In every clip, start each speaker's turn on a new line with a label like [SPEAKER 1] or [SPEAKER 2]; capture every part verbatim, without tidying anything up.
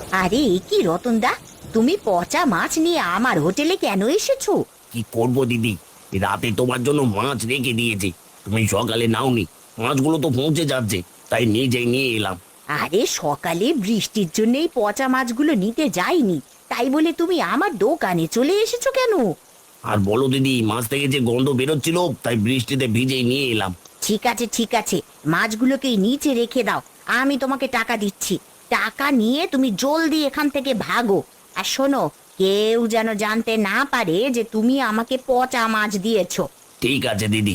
[SPEAKER 1] আরে এ কি রতনদা, তুমি পচা মাছ নিয়ে আমার হোটেলে কেন এসেছো?
[SPEAKER 2] কি করবো দিদি, রাতে তোমার জন্য মাছ রেখে দিয়েছি, তুমি সকালে নাওনি। মাছগুলো তো পৌঁছে যাচ্ছে, তাই নিজেই নিয়ে এলাম।
[SPEAKER 1] আরে সকালে বৃষ্টির জন্যই পচা মাছগুলো নিতে যাইনি, তাই বলে তুমি আমার দোকানে চলে এসেছো কেন?
[SPEAKER 2] আর বলো দিদি, মাছ থেকে যে গন্ধ বেরোচ্ছিল, তাই বৃষ্টিতে ভিজেই নিয়ে এলাম।
[SPEAKER 1] ঠিক আছে ঠিক আছে, মাছগুলোকে নিচে রেখে দাও, আমি তোমাকে টাকা দিচ্ছি। টাকা নিয়ে তুমি জলদি এখান থেকে ভাগো। আর শোনো, কেউ যেন জানতে না পারে যে তুমি আমাকে পচা মাছ দিয়েছো।
[SPEAKER 2] ঠিক আছে দিদি।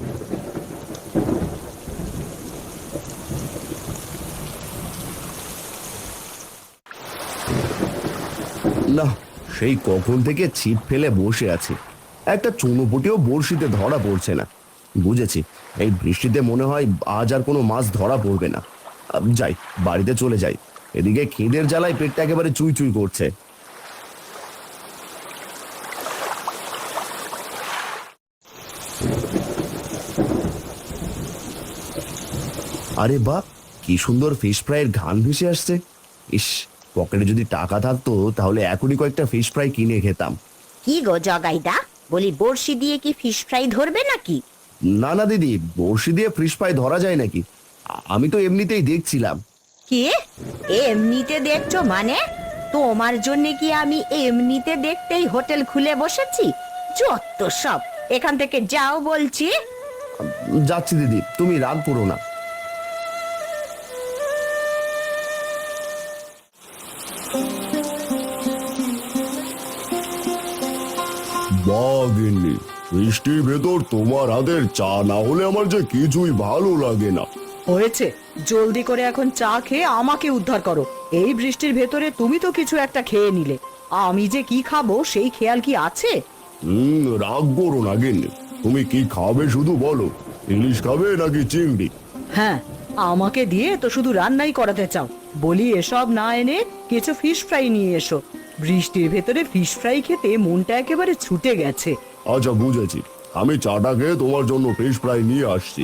[SPEAKER 3] না, সেই কখন থেকে ছিপ ফেলে বসে আছি, একটা চুনোপুটিও বড়শিতে ধরা পড়ছে না। বুঝেছি, এই বৃষ্টিতে মনে হয় আজ আর কোনো মাছ ধরা পড়বে না। আহ, যাই, বাড়িতে চলে যাই। এদিকে খিদের জ্বালায় পেটটা একেবারে চুই চুই করছে। আরে বাহ, কি সুন্দর ফিশ ফ্রাইয়ের ঘ্রাণ ভেসে আসছে। ইস, পকেটে যদি টাকা থাকতো তাহলে এখনই কয়েকটা ফিশ ফ্রাই কিনে খেতাম।
[SPEAKER 1] কি গো জগাইদা, বলি বড়শি দিয়ে কি ফিশ ফ্রাই ধরবে নাকি?
[SPEAKER 3] না না দিদি, বড়শি দিয়ে ফিশ ফ্রাই ধরা যায় নাকি? আ- আমি তো এমনিতেই দেখছিলাম।
[SPEAKER 1] কি এমনিতে দেখছো মানে? তোমার জন্য কি আমি এমনিতে দেখতেই হোটেল খুলে বসেছি? যত সব, এখান থেকে যাও বলছি।
[SPEAKER 3] যাচ্ছি দিদি, তুমি রাগ করো না। বাগিনি, বৃষ্টির ভেতর তোমার হাতের চা না হলে আমার যে কিছুই ভালো লাগে না।
[SPEAKER 4] হয়েছে, জলদি করে এখন চা খেয়ে আমাকে উদ্ধার করো। এই বৃষ্টির ভেতরে তুমি তো কিছু একটা খেয়ে নিলে, আমি যে কি খাবো সেই খেয়াল কি আছে?
[SPEAKER 3] হুম, রাগ করো না গিন্নি, তুমি কি খাবে শুধু বলো। ইলিশ খাবে নাকি চিংড়ি?
[SPEAKER 4] হ্যাঁ, আমাকে দিয়ে তো শুধু রান্নাই করাতে চাও। বলি এসব না এনে কিছু ফিশ ফ্রাই নিয়ে এসো। বৃষ্টির ভেতরে ফিশ ফ্রাই খেতে মনটা একেবারে ছুটে গেছে।
[SPEAKER 3] আচ্ছা বুঝেছি, আমি চাটা খেয়ে তোমার জন্য ফিশ ফ্রাই নিয়ে আসছি।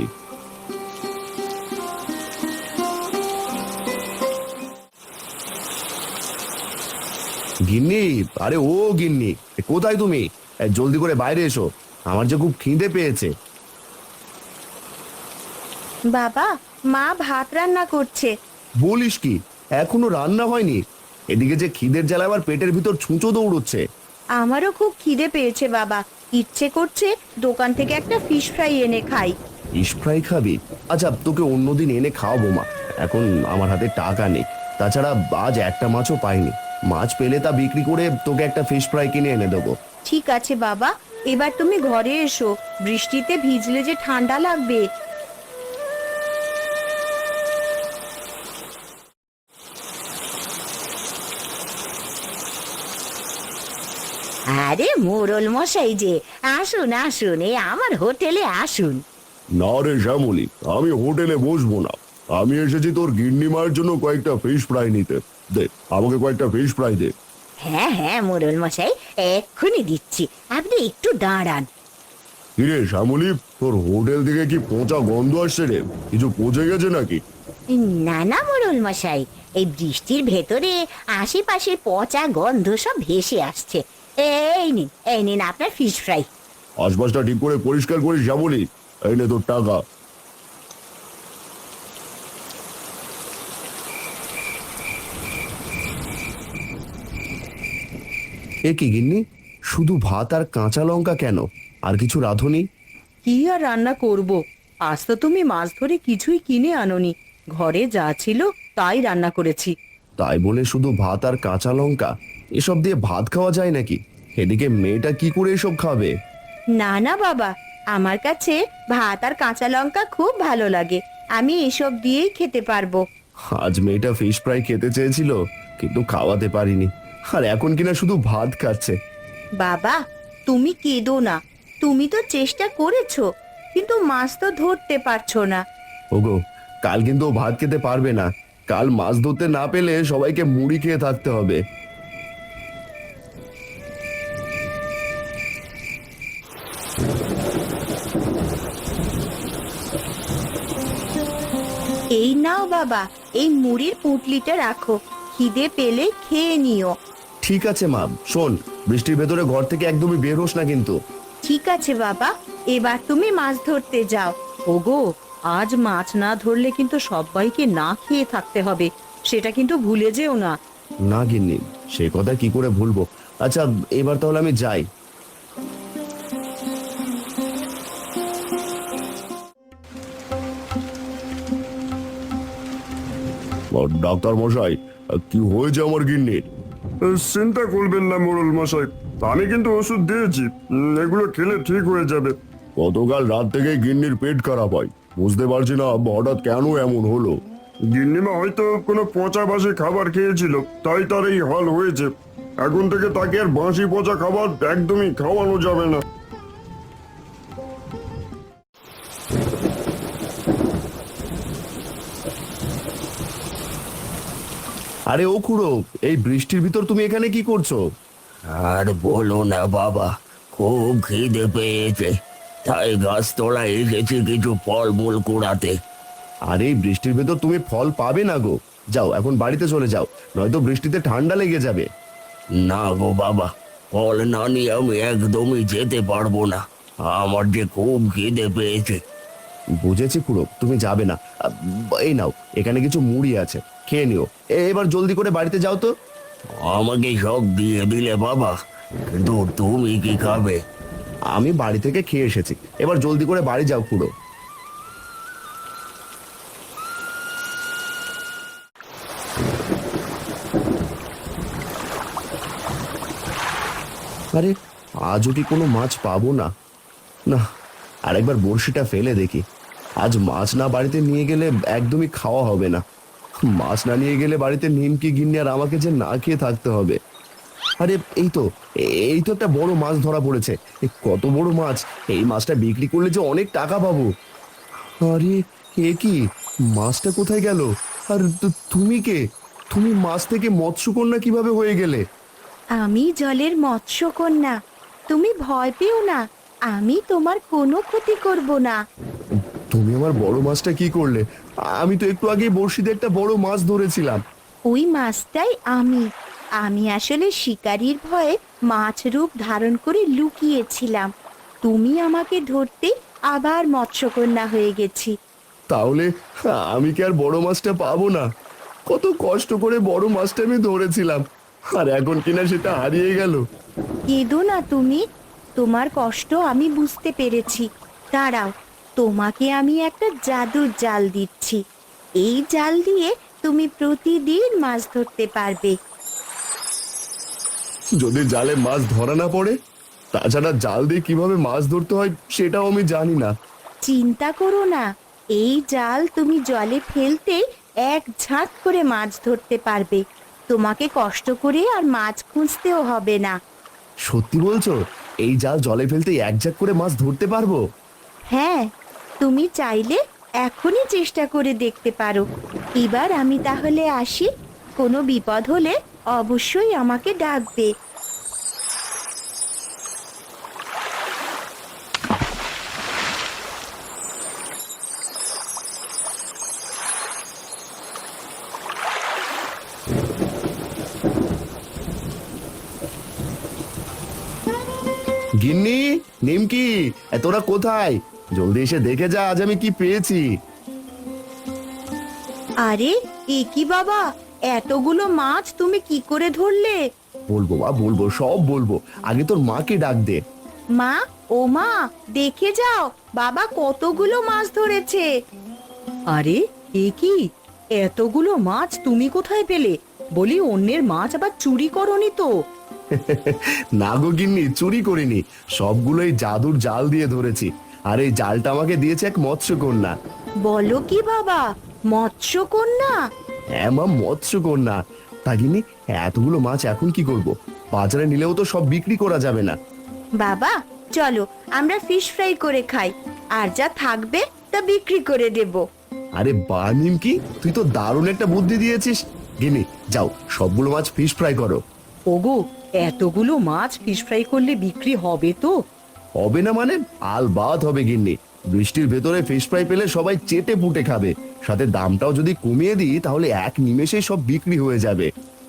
[SPEAKER 3] গিন্নি, আরে ও গিন্নি, কোথায় তুমি? এ, জলদি করে বাইরে এসো, আমার যে খুব খিদে পেয়েছে।
[SPEAKER 1] বাবা, মা ভাত রান্না করছে।
[SPEAKER 3] বলিস কি, এখনো রান্না হয়নি? এদিকে যে খিদের জ্বালা আবার পেটের ভিতর ছুঁচো দৌড়চ্ছে।
[SPEAKER 1] আমারও খুব খিদে পেয়েছে বাবা, ইচ্ছে করছে দোকান থেকে একটা ফিশ ফ্রাই এনে খাই।
[SPEAKER 3] ফিশ ফ্রাই খাবি? আচ্ছা, তোকে অন্যদিন এনে খাওয়াবো মা, এখন আমার হাতে টাকা নেই। তাছাড়া আজ একটা মাছও পাইনি, মাছ পেলে তা বিক্রি করে তোকে একটা ফিশ ফ্রাই কিনে এনে দেবো।
[SPEAKER 1] ঠিক আছে বাবা, এবার তুমি ঘরে এসো, বৃষ্টিতে ভিজলে যে ঠান্ডা লাগবে। আরে মোরল মশাই যে, আসুন আসুন, এই আমার হোটেলে আসুন।
[SPEAKER 3] না রে শ্যামলি, আমি হোটেলে বসবো না, আমি এসেছি তোর গিন্নি মায়ের জন্য কয়েকটা ফিশ ফ্রাই নিতে। দে, আমাকে কয়েকটা ফিশ ফ্রাই দে।
[SPEAKER 1] হ্যাঁ হ্যাঁ মোরল মশাই, এক্ষুনি দিচ্ছি, আপনি একটু দাঁড়ান।
[SPEAKER 3] কিরে শ্যামলি, তোর হোটেল থেকে কি পচা গন্ধ আসছে রে? কিছু পচে গেছে নাকি?
[SPEAKER 1] না না মোরল মশাই, এই বৃষ্টির ভেতরে আশেপাশে পচা গন্ধ সব ভেসে আসছে। এই নিন এই নিন আপনার ফিশ ফ্রাই।
[SPEAKER 3] আশপাশটা ঠিক করে পরিষ্কার করিস শ্যামলি, এই নে তোর টাকা। এ কি গিন্নি, শুধু ভাত আর কাঁচা লঙ্কা কেন? আর কিছু রাঁধুনি?
[SPEAKER 4] কি আর রান্না করব? আজ তো তুমি মাছ ধরে কিছুই কিনে আনোনি, ঘরে যা ছিল তাই রান্না করেছি।
[SPEAKER 3] তাই বলে শুধু ভাত আর কাঁচা লঙ্কা? এসব দিয়ে ভাত খাওয়া যায় নাকি? এদিকে মেয়েটা কি করে এসব খাবে?
[SPEAKER 1] না না বাবা, আমার কাছে ভাত আর কাঁচা লঙ্কা খুব ভালো লাগে, আমি এসব দিয়েই খেতে পারবো।
[SPEAKER 3] আজ মেয়েটা ফিশ ফ্রাই খেতে চেয়েছিল, কিন্তু খাওয়াতে পারিনি, আর এখন কিনা শুধু ভাত খাচ্ছে।
[SPEAKER 1] বাবা, তুমি কেঁদো না, তুমি তো চেষ্টা করেছো, কিন্তু মাছ তো ধরতে পারছো না।
[SPEAKER 3] ওগো, কাল কিন্তু ও ভাত খেতে পারবে না, কাল মাছ ধরতে না পেলে সবাইকে মুড়ি খেয়ে থাকতে হবে।
[SPEAKER 1] এই নাও বাবা, এই মুড়ির পুঁটলিটা রাখো, খিদে পেলে খেয়ে নিও।
[SPEAKER 3] ঠিক আছে মা, শোন, বৃষ্টির ভেতরে ঘর থেকে একদমই বের হোস না কিন্তু।
[SPEAKER 1] ঠিক আছে বাবা, এবার তুমি মাছ ধরতে যাও।
[SPEAKER 4] ওগো, আজ মাছ না ধরলে কিন্তু সবাইকে না খেয়ে থাকতে হবে, সেটা কিন্তু ভুলে যেও না।
[SPEAKER 3] না গিন্নি, সে কথা কি করে ভুলবো। আচ্ছা, এবার তাহলে আমি যাই। ডাক্তার মশাই, কি হয়েছে আমার গিন্নির?
[SPEAKER 5] চিন্তা করবেন না মোড়ল মশাই, আমি কিন্তু ওষুধ দিয়েছি, উম, এগুলো খেলে ঠিক হয়ে যাবে।
[SPEAKER 3] গতকাল রাত থেকে গিন্নির পেট খারাপ হয়, বুঝতে পারছি না হঠাৎ কেন এমন হলো।
[SPEAKER 5] গিন্নিমা হয়তো কোনো পচা বাসি খাবার খেয়েছিল, তাই তার এই হাল হয়েছে। এখন থেকে তাকে আর বাসি পচা খাবার একদমই খাওয়ানো যাবে না।
[SPEAKER 3] আরে ও খুড়ো, এই বৃষ্টির ভিতর তুমি এখানে কি করছো?
[SPEAKER 2] আর বলো না বাবা, খুব খিদে পেয়েছে, তাই গাছতলা এসেছি কিছু ফলমূল কুড়াতে।
[SPEAKER 3] আর এই বৃষ্টির ভেতর তুমি ফল পাবে না গো। যাও এখন বাড়িতে চলে যাও, নয়তো বৃষ্টিতে ঠান্ডা লেগে যাবে।
[SPEAKER 2] না গো বাবা, ফল না নিয়ে আমি একদমই যেতে পারবো না, আমার যে খুব খিদে পেয়েছে।
[SPEAKER 3] বুঝেছি খুড়ো, তুমি যাবে না। আহ, এই নাও, এখানে কিছু মুড়ি আছে, খেয়ে নিও। এ- এবার জলদি করে বাড়িতে যাও তো।
[SPEAKER 2] আমাকে সব দিয়ে দিলে বাবা, কিন্তু তুমি কি খাবে?
[SPEAKER 3] আমি বাড়ি থেকে খেয়ে এসেছি, এবার জলদি করে বাড়ি যাও খুড়ো। আরে আজও কি কোনো মাছ পাবো না? না, আরেকবার বড়শিটা ফেলে দেখি। আজ মাছ না বাড়িতে নিয়ে গেলে একদমই খাওয়া হবে না। মাছ না নিয়ে গেলে বাড়িতে নিমকি গিন্নি আর আমাকে যে না খেয়ে থাকতে হবে। আরে এই তো, এই তো একটা বড় মাছ ধরা পড়েছে। এ কত বড় মাছ! এই মাছটা বিক্রি করলে যে অনেক টাকা পাবো। আরে এ কি, মাছটা কোথায় গেল? আর তু- তুমি কে? তুমি মাছ থেকে মৎস্যকন্যা কিভাবে হয়ে গেলে?
[SPEAKER 1] আমি জলের মৎস্যকন্যা, তুমি ভয় পেও না, আমি তোমার কোনো ক্ষতি করব না।
[SPEAKER 3] তুমি আমার বড় মাছটা কি করলে? আমি তো একটু আগে বড়শিতে একটা বড় মাছ ধরেছিলাম।
[SPEAKER 1] ওই মাছটাই আমি। আমি আসলে শিকারীর ভয়ে মাছ রূপ ধারণ করে লুকিয়েছিলাম। তুমি আমাকে ধরতে আবার মৎস্যকন্যা হয়ে গেছি।
[SPEAKER 3] তাহলে আমি কি আর বড় মাছটা পাবো না? কত কষ্ট করে বড় মাছটা আমি ধরেছিলাম, আর এখন কিনা সেটা হারিয়ে গেল।
[SPEAKER 1] কেঁদো না তুমি, তোমার কষ্ট আমি বুঝতে পেরেছি। দাঁড়াও, তোমাকে আমি একটা জাদুর জাল দিচ্ছি। এই জাল দিয়ে তুমি প্রতিদিন মাছ ধরতে পারবে।
[SPEAKER 3] যদি জালে মাছ ধরা না পড়ে? তাছাড়া জাল দিয়ে কিভাবে মাছ ধরতে হয় সেটাও আমি জানি না।
[SPEAKER 1] চিন্তা করো না, এই জাল তুমি জলে ফেলতে এক ঝাঁক করে মাছ ধরতে পারবে। তোমাকে কষ্ট করে আর মাছ খুঁজতেও হবে না।
[SPEAKER 3] সত্যি বলছো? এই জাল জলে ফেলতে এক ঝাঁক করে মাছ ধরতে পারবো?
[SPEAKER 1] হ্যাঁ, তুমি চাইলে এখনই চেষ্টা করে দেখতে পারো। এবার আমি তাহলে আসি, কোনো বিপদ হলে অবশ্যই আমাকে ডাকবে।
[SPEAKER 3] গিন্নি, নিমকি, এ তোরা কোথায়? জলদি এসে দেখে যা আজ আমি কি পেয়েছি।
[SPEAKER 1] আরে এ কি বাবা, এতগুলো মাছ তুমি কি করে ধরলে?
[SPEAKER 3] বলবো বা বলবো, সব বলবো। আগে তোর মাকে ডাক দে।
[SPEAKER 1] মা, ও মা, দেখে যাও, বাবা কতগুলো মাছ ধরেছে।
[SPEAKER 4] আরে এ কি, এতগুলো মাছ তুমি কোথায় পেলে? বলি অন্যের মাছ আবার চুরি করনি তো?
[SPEAKER 3] না গো গিন্নি, চুরি করিনি, সবগুলোই জাদুর জাল দিয়ে ধরেছি। আর এই জালটা আমাকে দিয়েছে এক মৎস্যকন্যা।
[SPEAKER 1] বলো কি বাবা, মৎস্যকন্যা?
[SPEAKER 3] হ্যাঁ মা, মৎস্যকন্যা। তা গিন্নি, এতগুলো মাছ এখন কি করব? বাজারে নিলেও তো সব বিক্রি করা যাবে না।
[SPEAKER 1] বাবা চলো, আমরা ফিশ ফ্রাই করে খাই, আর যা থাকবে তা বিক্রি করে দেব।
[SPEAKER 3] আরে বা নিমকি, তুই তো দারুণ একটা বুদ্ধি দিয়েছিস। গিন্নি যাও, সবগুলো মাছ ফিশ ফ্রাই করো।
[SPEAKER 4] ওগো, এতগুলো মাছ ফিশ ফ্রাই করলে বিক্রি হবে তো?
[SPEAKER 3] হবে না মানে? আলবাত হবে গিন্নি। বৃষ্টির ভেতরে ফিশ ফ্রাই পেলে সবাই চেটে পুটে খাবে। সাথে দামটাও যদি কমিয়ে দিই তাহলে এক নিমেষেই সব বিক্রি হয়ে যাবে।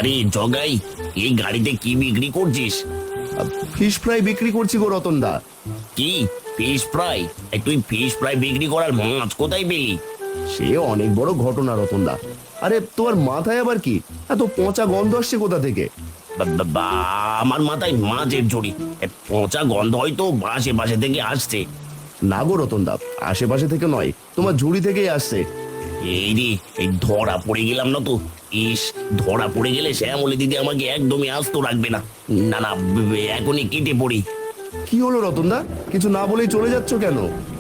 [SPEAKER 2] আরে জগাই, এই গাড়িতে কি বিক্রি করছিস?
[SPEAKER 3] ফিশ ফ্রাই বিক্রি করছি গো রতনদা।
[SPEAKER 2] কি ফিশ ফ্রাই? এই তুই ফিশ ফ্রাই বিক্রি করার মাছ কোথায় পেলি?
[SPEAKER 3] সে অনেক বড় ঘটনা রতনদা। আরে তোমার মাথায় আবার কি এত পচা গন্ধ আসছে কোথা থেকে?
[SPEAKER 2] বা- বা- বা, আমার মাথায় মাছের ঝুড়ি, এ পচা গন্ধ হয়তো আশেপাশে থেকে আসছে।
[SPEAKER 3] না গো রতনদা, আশেপাশে থেকে নয়, তোমার ঝুড়ি থেকেই আসছে।
[SPEAKER 2] এই রে, এই ধরা পড়ে গেলাম না তো। ইস, ধরা পড়ে গেলে শ্যামলী দিদি আমাকে একদমই আস্ত রাখবে না। না না, ব- ব- এখনই কেটে পড়ি।
[SPEAKER 3] কি হলো রতনদা, কিছু না বলেই চলে যাচ্ছ কেন?